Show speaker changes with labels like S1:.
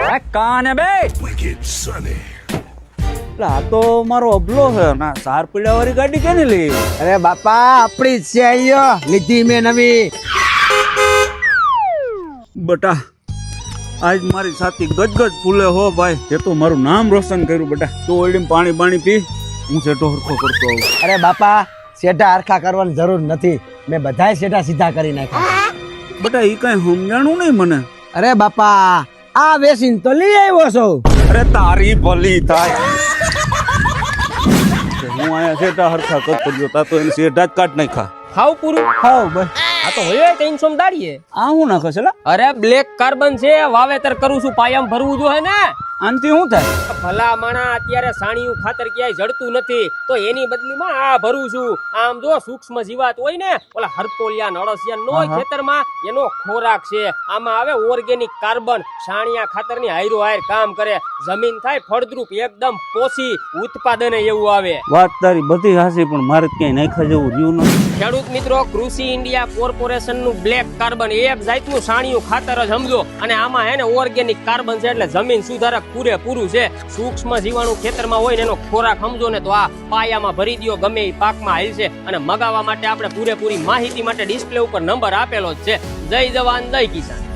S1: કાને બે આ તો મારો અબલો છે ના 4 પીડા વાળી ગાડી કેની લઈ
S2: અરે બાપા આપણી જ છે આયો લીધી મેં નવી
S1: બટા આજ મારી સાથી ગજગજ ફૂલે હો ભાઈ તે તો મારું નામ રોશન કર્યું બટા તું ઓલડી પાણી પાણી પી હું સેટો હરખો કરતો આવું
S2: અરે બાપા શેઠા હરખા કરવાની જરૂર નથી મેં બધાય શેઠા સીધા કરી નાખ્યા
S1: બટા ઈ કઈ સમજાણું નહીં મને
S2: અરે બાપા આ વેસીન તો લઈ આવ્યો છો
S1: અરે તારી ભલી થાય હું આયા સેટા હરખા કરતો ગયો તા તો એને સેટા જ કાઢ નાખ્યા
S3: ખાવ પૂરું
S1: હાવ બસ
S3: આ તો હોય કઈ સોમદાડીએ
S1: આ હું નાખે છે લા
S3: અરે બ્લેક કાર્બન છે વાવેતર કરું છું પાયામ ભરવું જોઈએ ને
S1: આનથી શું થાય
S3: ભલા માણા અત્યારે સાણિયું ખાતર ક્યાંય જડતું નથી તો એની બદલીમાં આ ભરું છું આમ જો સૂક્ષ્મ જીવાત હોય ને ઓલા હરતોલિયા નળસિયા નો ખેતરમાં એનો ખોરાક છે આમાં આવે ઓર્ગેનિક કાર્બન સાણિયા ખાતરની હાયરો હાયર કામ કરે જમીન થાય ફળદ્રુપ એકદમ પોષી ઉત્પાદન એવું આવે
S1: વાત તારી બધી હાસી પણ મારે ક્યાંય નાખ્યા જેવું રહ્યું નથી
S3: ખેડૂત મિત્રો કૃષિ ઇન્ડિયા કોર્પોરેશન નું બ્લેક કાર્બન એક જાતનું સાણિયું ખાતર જ સમજો અને આમાં હે ને ઓર્ગેનિક કાર્બન છે એટલે જમીન સુધારક પૂરેપૂરું છે સૂક્ષ્મ જીવાણુ ખેતરમાં હોય ને એનો ખોરાક સમજો ને તો આ પાયામાં ભરી દો ગમે એ પાકમાં હાલ છે અને મગાવવા માટે આપણે પૂરેપૂરી માહિતી માટે ડિસ્પ્લે ઉપર નંબર આપેલો જ છે જય જવાન જય કિસાન